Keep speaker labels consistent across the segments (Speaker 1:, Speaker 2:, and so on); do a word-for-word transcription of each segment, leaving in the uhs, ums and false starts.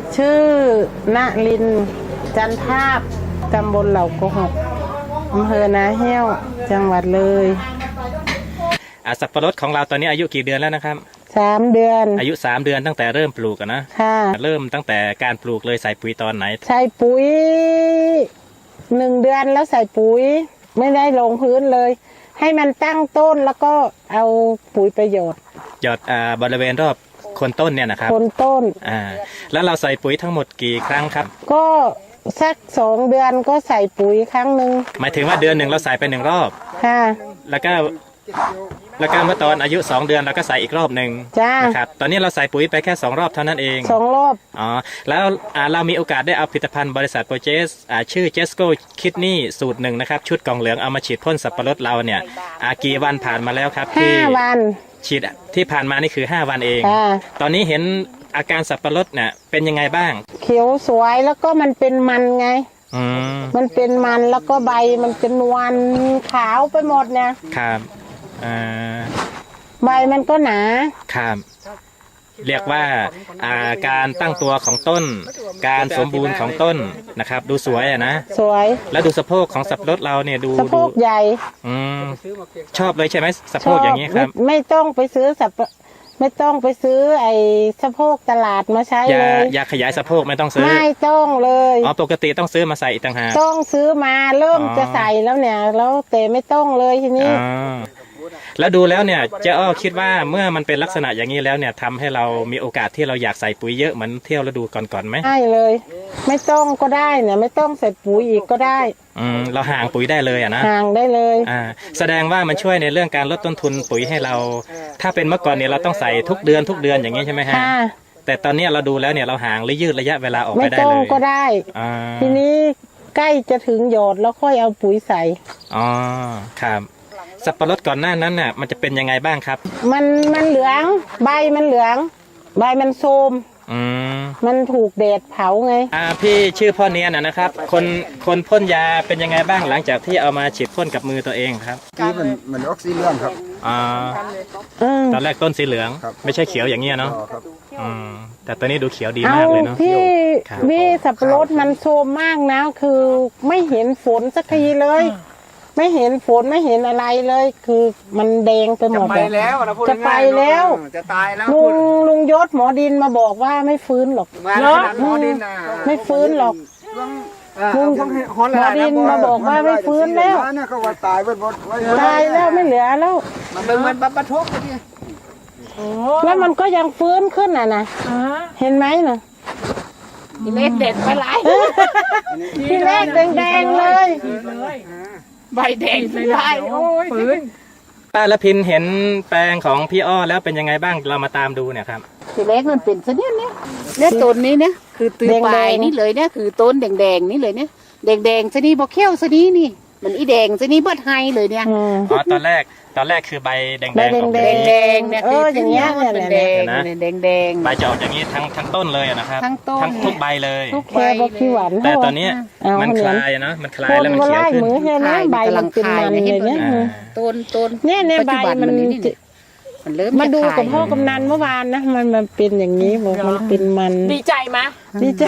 Speaker 1: ชื่อณลินจันทาบตำบลเหล่าโกหกอำเภอนาแห้วจังหวัดเลย
Speaker 2: สับปะรดของเราตอนนี้อายุกี่เดือนแล้วนะครับ
Speaker 1: สามเดือน
Speaker 2: อายุสามเดือนตั้งแต่เริ่มปลูกนะ
Speaker 1: ค่ะ
Speaker 2: เริ่มตั้งแต่การปลูกเลยใส่ปุ๋ยตอนไหน
Speaker 1: ใส่ปุ๋ยหนึ่งเดือนแล้วใส่ปุ๋ยไม่ได้ลงพื้นเลยให้มันตั้งต้นแล้วก็เอาปุ๋ยประโยชน์
Speaker 2: หยอดอ่าบริเวณรอบโคนต้นเนี่ยนะครับ
Speaker 1: โคนต้น
Speaker 2: อ่าแล้วเราใส่ปุ๋ยทั้งหมดกี่ครั้งครับ
Speaker 1: ก็สักสองเดือนก็ใส่ปุ๋ยครั้งหนึ่ง
Speaker 2: หมายถึงว่าเดือนหนึ่งเราใส่ไปหนึ่งรอบ
Speaker 1: ค่ะ
Speaker 2: แล้วก็แล้วก็เมื่อตอนอายุสองเดือนเราก็ใส่อีกรอบหนึ่งนะครับตอนนี้เราใส่ปุ๋ยไปแค่สองรอบเท่านั้นเอง
Speaker 1: สองรอบ
Speaker 2: อ๋อแล้วเรามีโอกาสได้เอาผลิตภัณฑ์บริษัทโปรเจสชื่อเจสโก้คิดนี่สูตรหนึ่งนะครับชุดกล่องเหลืองเอามาฉีดพ่นสับปะรดเราเนี่ยกี่วันผ่านมาแล้วครับ
Speaker 1: ห้าวัน
Speaker 2: ฉีดที่ผ่านมานี่คือห้าวันเองตอนนี้เห็นอาการสับปะรดเนี่ยเป็นยังไงบ้าง
Speaker 1: เขียวสวยแล้วก็มันเป็นมันไง
Speaker 2: อืม
Speaker 1: มันเป็นมันแล้วก็ใบมันจะนวลขาวไปหมดเนี่ย
Speaker 2: ครับอ่า
Speaker 1: ใบมันก็หนา
Speaker 2: ครับเรียกว่าการตั้งตัวของต้นการสมบูรณ์ของต้นนะครับดูสวยอะนะ
Speaker 1: สวย
Speaker 2: แล้วดูสะโพกของสับปะรดเราเนี่ยดู
Speaker 1: สะโพกใหญ่
Speaker 2: อืมชอบเลยใช่ไหมสะโพกอย่างนี้ครับ
Speaker 1: ไม่ต้องไปซื้อสับไม่ต้องไปซื้อไอ้สะโพกตลาดมาใช้เลย
Speaker 2: ยาขยายสะโพกไม่ต้องซื้อ
Speaker 1: ไม่ต้องเลย
Speaker 2: อ๋อปกติต้องซื้อมาใส่อีกต่างหาก
Speaker 1: ต้องซื้อมาเริ่มจะใส่แล้วเนี่ยแล้วแต่ไม่ต้องเลยทีนี้
Speaker 2: แล้วดูแล้วเนี่ยเจ้าอ้อคิดว่าเมื่อมันเป็นลักษณะอย่างนี้แล้วเนี่ยทำให้เรามีโอกาสที่เราอยากใส่ปุ๋ยเยอะเหมือนเที่ยวฤดูก่อนๆไหม
Speaker 1: ใช่เลยไม่ต้องก็ได้เนี่ยไม่ต้องใส่ปุ๋ยอีกก็ได้
Speaker 2: อืมเราห่างปุ๋ยได้เลยอะนะ
Speaker 1: ห่างได้เลย
Speaker 2: อ่าแสดงว่ามันช่วยในเรื่องการลดต้นทุนปุ๋ยให้เราถ้าเป็นเมื่อก่อนเนี่ยเราต้องใส่ทุกเดือนทุกเดือนอย่างนี้ใช่ไหมฮะแต่ตอนนี้เราดูแล้วเนี่ยเราห่างหรือยืดระยะเวลาออกไปได้เลย
Speaker 1: ไม่ต้องก็ได้ทีนี้ใกล้จะถึงหยอดแล้วค่อยเอาปุ๋ยใส่
Speaker 2: อ๋อครับสับปะรดก่อนหน้านั้นน่ะมันจะเป็นยังไงบ้างครับ
Speaker 1: มันมันเหลืองใบมันเหลืองใบมันโทรม
Speaker 2: อืม
Speaker 1: มันถูกแดดเผาไง
Speaker 2: อ่าพี่ชื่อพ่อเนียนนะครับคนคนพ่นยาเป็นยังไงบ้างหลังจากที่เอามาฉีดพ่นกับมือตัวเองครับ
Speaker 3: นี่มันมันออกสีเหลืองครับ
Speaker 2: อ่าตอนแรกต้นสีเหลืองไม่ใช่เขียวอย่างเงี้ยเนาะอืมแต่ตอนนี้ดูเขียวดีมากเลยเนาะ
Speaker 1: พี่พี่สับปะรดมันโทรมมากนะคือไม่เห็นฝนสักทีเลยไม่เห็นฝนไม่เห็นอะไรเลยคือมันแดงไปหมด
Speaker 3: จะไปแล้ว
Speaker 1: จะไปแล้ว
Speaker 3: จะตายแล้ว
Speaker 1: ลุงลุงยศหมอดินมาบอกว่าไม่ฟื้นหรอก
Speaker 3: เนาะหมอดิน
Speaker 1: ไม่ฟื้นหรอกลุงหมอดินมาบอกว่าไม่ฟื้นแล้ว
Speaker 3: ก็ว่าตายไปหมด
Speaker 1: ตายแล้วไม่เหลือแล้ว
Speaker 3: มันเป็นมันบัตรทุกข์
Speaker 1: แล้วมันก็ยังฟื้นขึ้นอ่ะนะเห็นไหมน่ะ
Speaker 4: ทีเล็กเด็ดไปหลาย
Speaker 1: ทีเล็กแดงๆเลย
Speaker 4: ใบแดงไปหลายโอ้ยฟื้น
Speaker 2: ป้าละพินเห็นแปลงของพี่อ้อแล้วเป็นยังไงบ้างเรามาตามดูเนี่ยครับ
Speaker 4: ทีเล็กมันเป็นซะเนี่ยเนี่ยเนี่ยต้นนี้เนี่ยคือตือปลายนี่เลยเนี่ยคือต้นแดงๆนี่เลยเนี่ยแดงๆซะนี่บอเขี้ยวซะนี่นี่มันอีแดงซะนี่เบิดไฮเลยเนี่ย
Speaker 2: อ๋อตอนแรกตอนแรกคือใบแดงๆ
Speaker 1: แดงแดง
Speaker 4: แดงเนี่ยคืออย่างเงี้ยเนี่ยแดงแดงแดง
Speaker 2: ใบจะออกอย่างนี้ทั้งทั้งต้นเลยนะครับ
Speaker 4: ทั้งต้น
Speaker 2: ทั้งทุกใบเลย
Speaker 1: ทุกแค่บกขี้หวาน
Speaker 2: แต่ตอนนี้มันคลายนะมันคลายแล้วมันเขียวขึ้น
Speaker 1: ใบมันเป็นมันเลยเนี่ย
Speaker 4: ต้นต้น
Speaker 1: เนี่ยเนี่ยใบมัน
Speaker 4: มันเริ่ม
Speaker 1: มาดูกับพ่อกำนันเมื่อวานนะมันมันเป็นอย่างนี้บอกมันเป็นมัน
Speaker 4: ดีใจไหม
Speaker 1: ดีใจ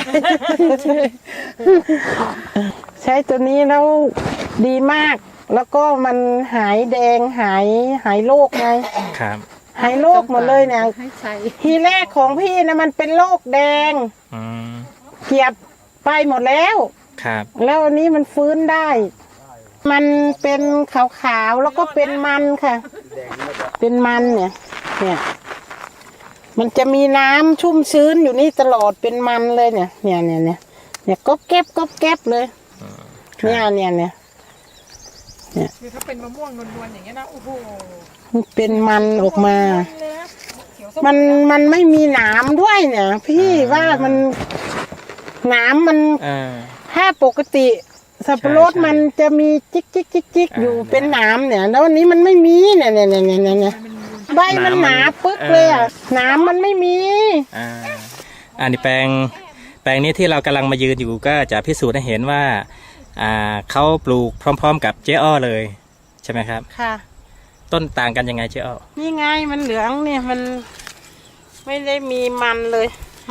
Speaker 1: ใช้ตัวนี้แล้วดีมากแล้วก็มันหายแดงหายหายโรคไง
Speaker 2: ครับ
Speaker 1: หายโรคหมดเลยเนี่ยทีแรกของพี่นะมันเป็นโรคแดงเกียบไปหมดแล้ว
Speaker 2: ครับ
Speaker 1: แล้วอันนี้มันฟื้นได้มันเป็นขาวๆแล้วก็เป็นมันค่ะเป็นมันเนี่ยเนี่ยมันจะมีน้ำชุ่มชื้นอยู่นี่ตลอดเป็นมันเลยเนี่ยเนี่ยเนี่ยเนี่ยเนี่ยก็เก็บก็เก็บเลยเนี่ยเนี่ยเนี่ย
Speaker 4: เนี่ยคือถ้าเป็นมะม่วงนวลๆอย่างเงี้ยนะโอ้โห
Speaker 1: มันเป็นมันออกมามันมันไม่มีหนามด้วยเนี่ยพี่ว่ามันหนามมันถ้าปกติสับปะรดมันจะมีจิกจิกจิกจิกอยู่เป็นหนามเนี่ยแล้ววันนี้มันไม่มีเนี่ยเนี่ยเนี่ยเนี่ยเนี่ยใบมันหนาปึ๊กเลยอ่ะหนามมันไม่มี
Speaker 2: อ่าอันนี้แปลงแปลงนี้ที่เรากำลังมายืนอยู่ก็จะพิสูจน์ให้เห็นว่าอ่าเขาปลูกพร้อมๆกับเจ๊อ้อเลยใช่ไหมครับ
Speaker 1: ค่ะ
Speaker 2: ต้นต่างกันยังไงเจ๊อ้อ
Speaker 1: นี่ไงมันเหลืองเนี่ยมันไม่ได้มีมันเลย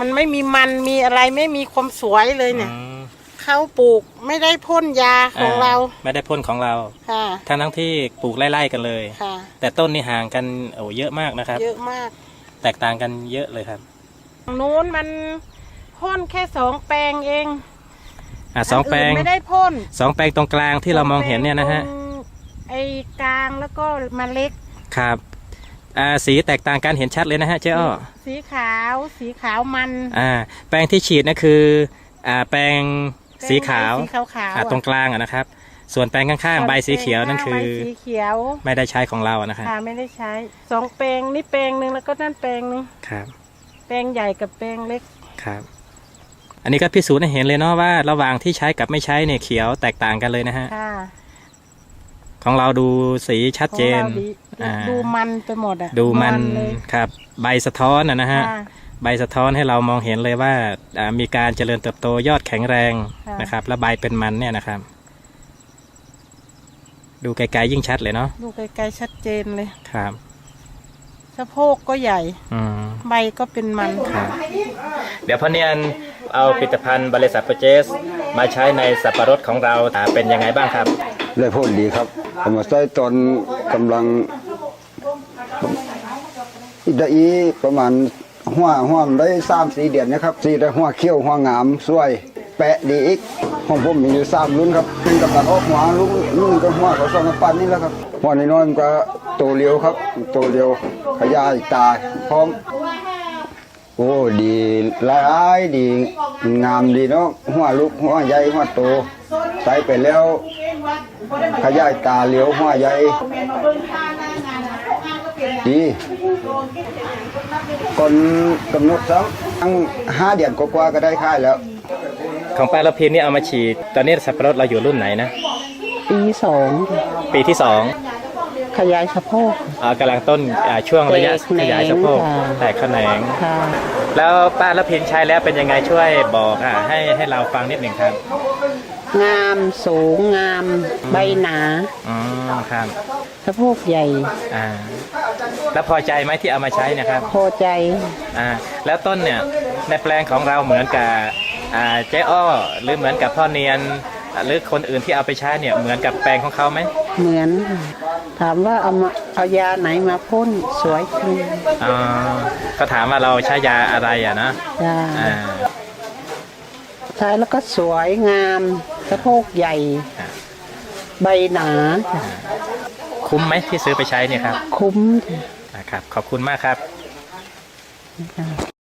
Speaker 1: มันไม่มีมันมีอะไรไม่มีความสวยเลยเนี่ย
Speaker 2: อืม
Speaker 1: เขาปลูกไม่ได้พ่นยาของเรา
Speaker 2: ไม่ได้พ่นของเรา
Speaker 1: ค่ะ
Speaker 2: ทั้งทั้งที่ปลูกไล่ๆกันเลย
Speaker 1: ค่ะ
Speaker 2: แต่ต้นนี่ห่างกันโอ้เยอะมากนะครับ
Speaker 1: เยอะมาก
Speaker 2: แตกต่างกันเยอะเลยครับ
Speaker 1: ตรงนู้นมันพ่นแค่สองแปลงเอง
Speaker 2: อ่ะสองแปลง
Speaker 1: นนไม่ได้พ่น
Speaker 2: สองแปลงตรงกลางที่เรามองเห็นเนี่ยนะฮะ
Speaker 1: ตรงไอ้กลางแล้วก็มาเล็ก
Speaker 2: ครับอ่าสีแตกต่างกันเห็นชัดเลยนะฮะเจ๊อ้อ
Speaker 1: สีขาวสีขาวมัน
Speaker 2: อ่าแปลงที่ฉีดนั่นคืออ่าแปลงสีขาว
Speaker 1: สีขาวขาว
Speaker 2: อ่าตรงกลางอะนะครับ ส่วนแปลงข้างๆใบสีเขียวนั่นคือ
Speaker 1: ใบสีเขียว
Speaker 2: ไม่ได้ใช้ของเราอะนะครับ
Speaker 1: ค่ะไม่ได้ใช้สองแปลงนี่แปลงหนึ่งแล้วก็นั่นแปลงหนึ่ง
Speaker 2: ครับ
Speaker 1: แปลงใหญ่กับแปลงเล็ก
Speaker 2: ครับ อันนี้ก็พิสูจน์ให้เห็นเลยเนาะว่าระหว่างที่ใช้กับไม่ใช้เนี่ยเขียวแตกต่างกันเลยนะฮะ
Speaker 1: ค่ะ
Speaker 2: ของเราดูสีชัดเจน
Speaker 1: ของราดี
Speaker 2: อ่า
Speaker 1: ดูมันไปหมดอ่ะ
Speaker 2: ดูมัน
Speaker 1: เลย
Speaker 2: ครับใบสะท้อนอะนะฮะ
Speaker 1: ค่ะ
Speaker 2: ใบสะท้อนให้เรามองเห็นเลยว่าอ่ามีการเจริญเติบโตยอดแข็งแรง
Speaker 1: ค่ะ
Speaker 2: นะครับ และใบเป็นมันเนี่ยนะครับ ดูไกลๆยิ่งชัดเลยเนาะ
Speaker 1: ดูไกลๆชัดเจนเลย
Speaker 2: ครับ
Speaker 1: สะโพกก็ใหญ่
Speaker 2: อืม
Speaker 1: ใบก็เป็นมัน
Speaker 2: ครับเดี๋ยวพ่อเนียนเอาผลิตภัณฑ์บริษัทโปรเจสมาใช้ในสับปะรดของเราอ่าเป็นยังไงบ้างครับ
Speaker 3: ได้ผลดีครับผมมาใส่ตอนกำลังอีกได้อีประมาณหัวหัวมันได้สามสี่เดือนนะครับสี่ได้หัวเขี้ยวหัวงามสวย แปะดีอีกของผมมีอยู่สามรุ่นครับเป็นกับตันออกหัวรุ่นรุ่นก็หัวเขาสองกับปั้นนี่แหละครับหัวน้อยๆมันก็โตเร็วครับโตเร็วขยายตาพร้อมโอ้ดีหลายดีงามดีเนาะหัวลูกหัวใหญ่หัวโตใส่ไปแล้วขยายตาเลี้ยวหัวใหญ่ดีคนกำหนดสักตั้งห้าเดือนกว่าๆก็ได้ค่ายแล้ว
Speaker 2: ของป้าละพินนี่เอามาฉีด ตอนนี้สับปะรดเราอยู่รุ่นไหนนะ
Speaker 1: ปีสอง
Speaker 2: ปีที่สอง
Speaker 1: ขยายสะโพก
Speaker 2: อ่ากำลังต้นอ่าช่วงระยะ
Speaker 1: แตกแขนง
Speaker 2: ขยายสะโพก
Speaker 1: ค่ะ
Speaker 2: แตกแขนง
Speaker 1: ค่ะ
Speaker 2: แล้วป้าละพินใช้แล้วเป็นยังไงช่วยบอกอ่ะให้ให้เราฟังนิดหนึ่งครับ
Speaker 1: งามสูงงามใบหนา
Speaker 2: อ๋อครับ
Speaker 1: สะโพกใหญ่
Speaker 2: อ่าแล้วพอใจไหมที่เอามาใช้เนะครับ
Speaker 1: พอใจ
Speaker 2: อ่าแล้วต้นเนี่ยในแปลงของเราเหมือนกับอ่าเจ๊อ้อหรือเหมือนกับพ่อเนียนอ่าหรือคนอื่นที่เอาไปใช้เนี่ยเหมือนกับแปลงของเขาไหม
Speaker 1: เหมือนค่ะถามว่าเอามาเอายาไหนมาพ่นสวยขึ้น
Speaker 2: อ๋อก็ถามว่าเราใช้ยาอะไรอ่ะนะ
Speaker 1: จ้า
Speaker 2: อ่า
Speaker 1: ใช้แล้วก็สวยงามสะโพกใหญ่ ใบหนาจ้ะ
Speaker 2: คุ้มไหมที่ซื้อไปใช้เนี่ยครับ
Speaker 1: คุ้ม
Speaker 2: นะครับขอบคุณมากครับ
Speaker 1: จ้ะ